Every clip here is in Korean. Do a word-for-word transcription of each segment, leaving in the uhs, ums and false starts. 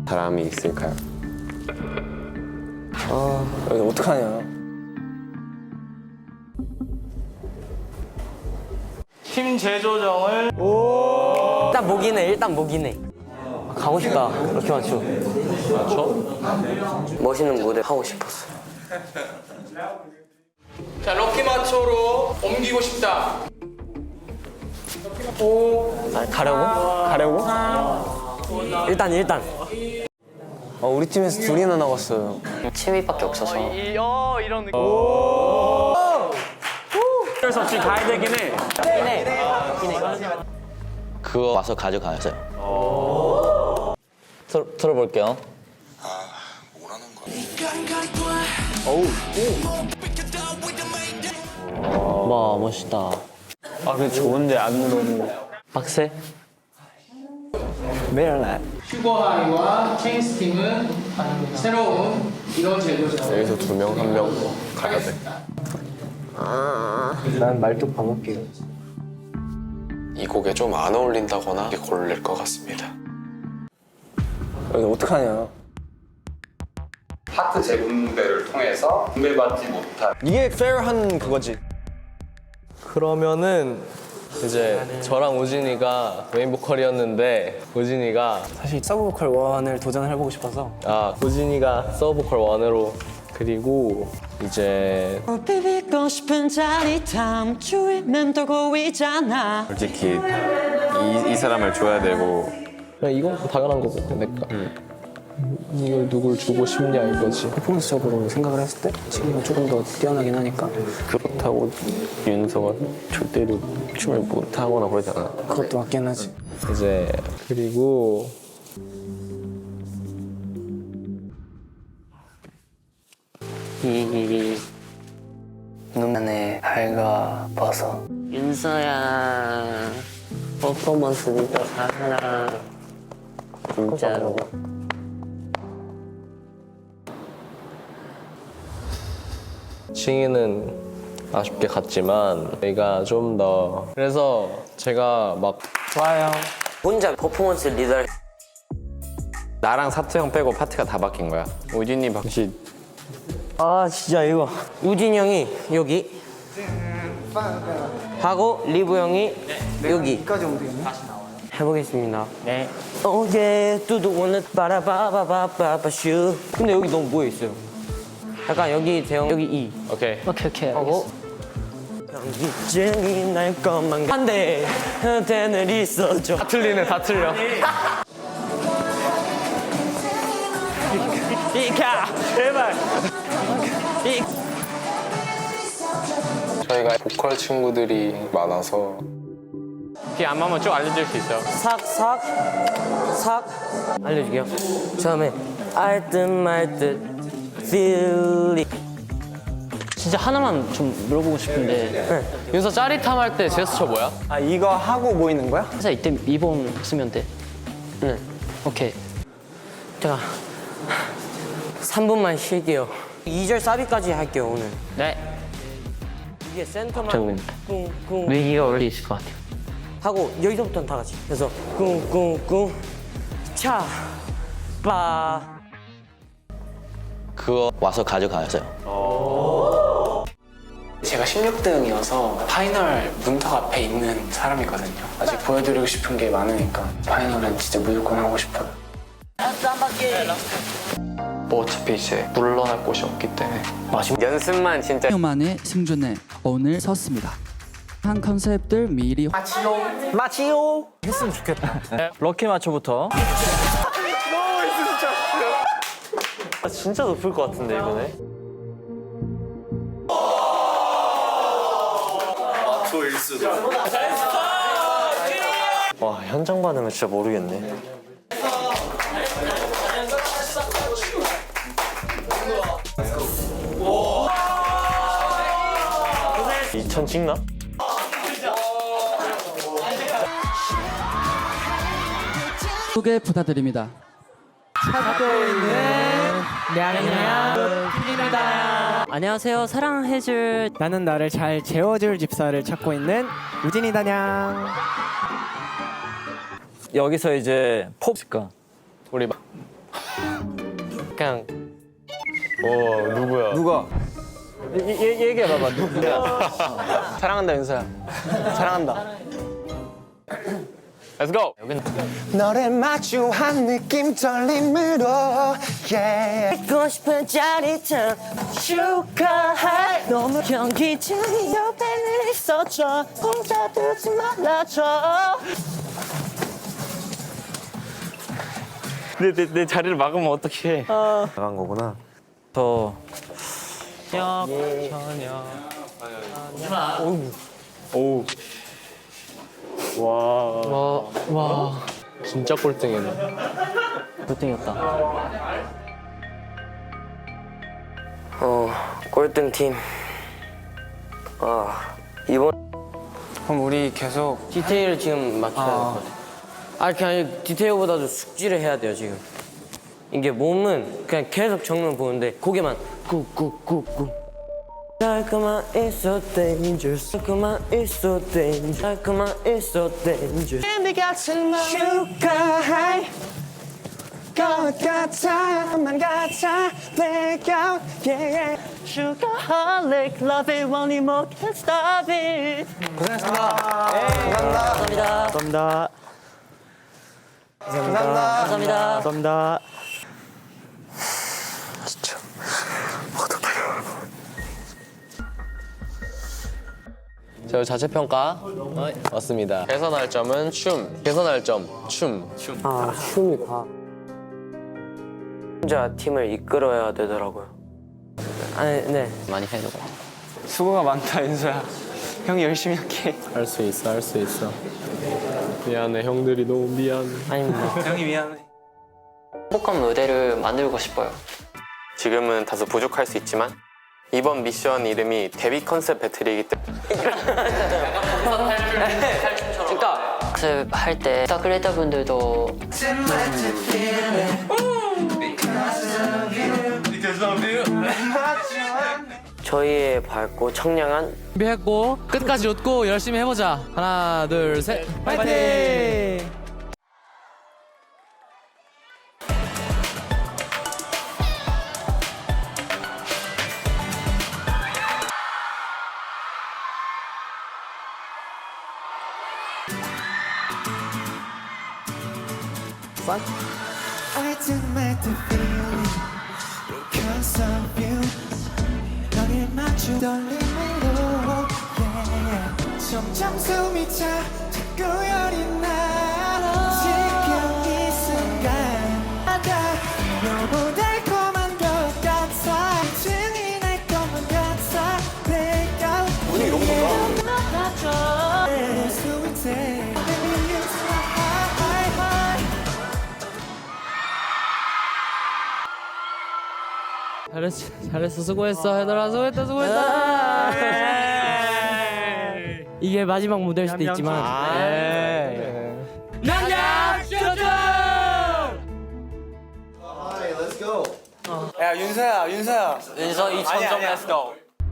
사람이 있을까요? 아, 이거 어떡하냐. 팀 재조정을 일단 목이네, 일단 목이네. 가고 싶다, 럭키 마초. 마초? 멋있는 무대 하고 싶었어. 자, 럭키 마초로 옮기고 싶다. 아, 가려고? 가려고? 일단, 일단. 아, 우리 팀에서 둘이나 나왔어요. 취미밖에 없어서. 이, 어, 이런 느낌. 어쩔 수 없이 가야 되긴 해. 그거 와서 가져가세요. 틀, 틀어볼게요. 와, 멋있다. 아, 근데 좋은데 안 너무. 빡세? 매일 날. 슈거하이와 체인스 팀은 새로운 이런 재조정. 여기서 두 명, 한 명 가야 돼. 난 말뚝 방울게요. 이 곡에 좀 안 어울린다거나 고를 것 같습니다. 이거 어떡하냐. 파트 재분배를 통해서 분배받지 못한 이게 페어한 그거지. 그러면은 이제 저랑 우진이가 메인 보컬이었는데 우진이가 사실 서브 보컬 원을 도전을 해보고 싶어서. 아 우진이가 서브 보컬 원으로 그리고 이제 비비고 싶은 짜릿함 주위 맴돌고 있잖아. 솔직히 이, 이 사람을 줘야 되고 그냥 이건 당연한 거고 내가 이걸 누굴 주고 싶냐 이거지. 퍼포먼스적으로 생각을 했을 때 지금은 조금 더 뛰어나긴 하니까. 그렇다고 윤서가 절대로 춤을 못하거나 그러지 않아. 그것도 맞긴 하지. 이제 그리고 이 눈안에 밝아버서 윤서야 퍼포먼스 진짜 잘하라 진짜로. 칭이는 아쉽게 갔지만 저희가 좀 더 그래서 제가 막 좋아요. 혼자 퍼포먼스 리더. 나랑 사투 형 빼고 파트가 다 바뀐 거야. 우진이 박씨 아 진짜 이거 우진 형이 여기 하고 리브 형이 여기 여기까지 오면 되겠네. 해보겠습니다. 네. 오예 뚜두 오늘 빠라바바바바바 슈. 근데 여기 너무 모여 있어요. 약간 여기 대형 여기 이. 오케이 오케이 오케이 하고 이젠이 날 것만 한데 한테는 있어줘. 다 틀리네 다 틀려. 이카 제발. 이. 저희가 보컬 친구들이 많아서 키 안 맞으면 쭉 알려줄 수 있어요. 삭삭 삭 알려줄게요. 처음에 알 듯 말 듯 feel it. 진짜 하나만 좀 물어보고 싶은데 네. 윤서 짜릿함 할 때 제스처 뭐야? 아, 이거 하고 모이는 거야? 회사 이때 미본 쓰면 돼. 네. 오케이. 제가 삼 분만 쉴게요. 이 절 사비까지 할게요 오늘. 네. 이게 센터만 잠깐만요. 꿍꿍 위기가 원래 있을 것 같아요. 하고 여기서부터는 다 같이. 그래서 꿍꿍꿍 차빠. 그거 와서 가져가세요. 제가 십육 등이어서 파이널 문턱 앞에 있는 사람이거든요. 아직 보여드리고 싶은 게 많으니까 파이널은 진짜 무조건 하고 싶어요. 뭐 어차피 이제 물러날 곳이 없기 때문에 연습만 진짜 만에 승준에 오늘 섰습니다. 한 컨셉들 미리 마치요. 했으면 좋겠다. 럭키 마초부터. 진짜 높을 것 같은데 이번에. 와, 현장 받으면 진짜 모르겠네. 이천 찍나? 소개 부탁드립니다. 안녕하세요. 사랑해줄 나는 나를 잘 재워줄 집사를 찾고 있는 우진이 다냥. 여기서 이제 pop일까? 우리 막 그냥 어 누구야? 누가? 얘기해봐봐 누구야? 사랑한다 윤서야. 사랑한다. Let's go. 너를 마주한 느낌 떨림으로 yeah. 듣고 싶은 짜릿함 축하해 너무 경기장이 옆에 늘 있어줘 혼자 두지 말아줘 내, 내, 내 자리를 막으면 어떡해? 나간 거구나. 더 오. 와. 와 진짜 꼴등이네. 꼴등이었다. 어, 꼴등 팀. 아, 이번 그럼 우리 계속 디테일을 지금 맞춰야 될 것 같아요. 아, 그냥 디테일보다도 숙지를 해야 돼요, 지금. 이게 몸은 그냥 계속 정면 보는데 고개만 꾹꾹꾹꾹. 달콤한 it's so dangerous. 달콤한 it's so dangerous. 달콤한 it's so dangerous. 네 같은 맘 축하해 것 같아 만 같아 blackout yeah Sugarholic, love it, want it more, can't stop it. 고생하셨습니다. 감사합니다. 감사합니다. 감사합니다. 감사합니다. 저 자체평가 왔습니다. 개선할 점은 춤. 개선할 점 춤. 아, 춤이 다. 혼자 팀을 이끌어야 되더라고요. 아니, 네. 많이 해야 될 것 같아. 수고가 많다 윤서야. 형이 열심히 할게. 할 수 있어, 할 수 있어. 미안해, 형들이 너무 미안해. 아닙니다. 형이 미안해. 행복한 무대를 만들고 싶어요. 지금은 다소 부족할 수 있지만 이번 미션 이름이 데뷔 컨셉 배틀이기 때문에 그러니까 연습할 때 크리에이터 분들도 저희의 밝고 청량한 준비했고 끝까지 웃고 열심히 해보자. 하나 둘 셋 파이팅! I didn't the feeling because of you 너를 맞추 떨림으로 yeah. 점점 숨이 차 자꾸 열이 나 지금 이 순간 나다 너무 달콤한 것 같아 증이 날 것만 같아 내가 오늘 이런 건가? 잘했어 잘했어 수고했어 얘들아 수고했다 수고했다. 이게 마지막 무대일 수도 있지만. 냠냠 슈슈. 야 윤서야 윤서야 윤서 이천 점 Let's go.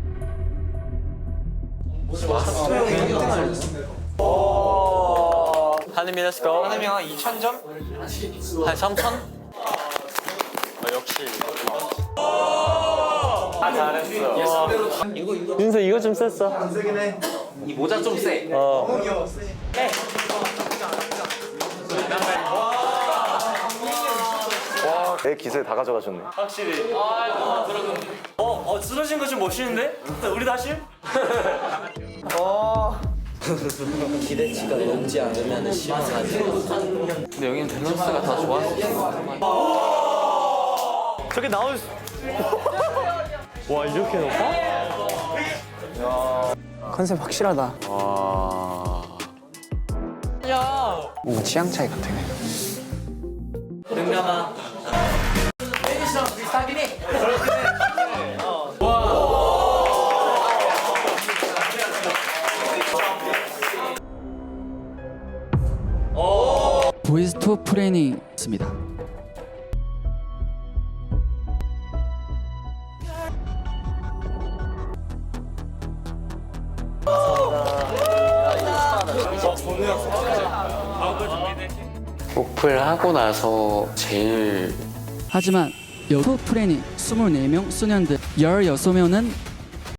한림이 Let's go. 한혜미 형 이천 점? 한 삼천? 아, 역시. 아, 잘했어. 윤서 이거 좀 셌어. 이 모자 좀 세. 어. 내 기세 다 가져가셨네. 확실히. 어, 어, 쓰러진 거 좀 멋있는데? 우리도 하실? 기대치가 높지 않으면 심하지. 근데 여기는 밸런스가 다 좋았어. 저게 나올 수. 와 이렇게 높아? 컨셉 확실하다. 와. 뭔가 취향 차이 같아. 능감아. 보이스톡 프레닝입니다. 오플 하고 나서 제일 하지만 여투 프레니 이십사 명 소년들 십육 명은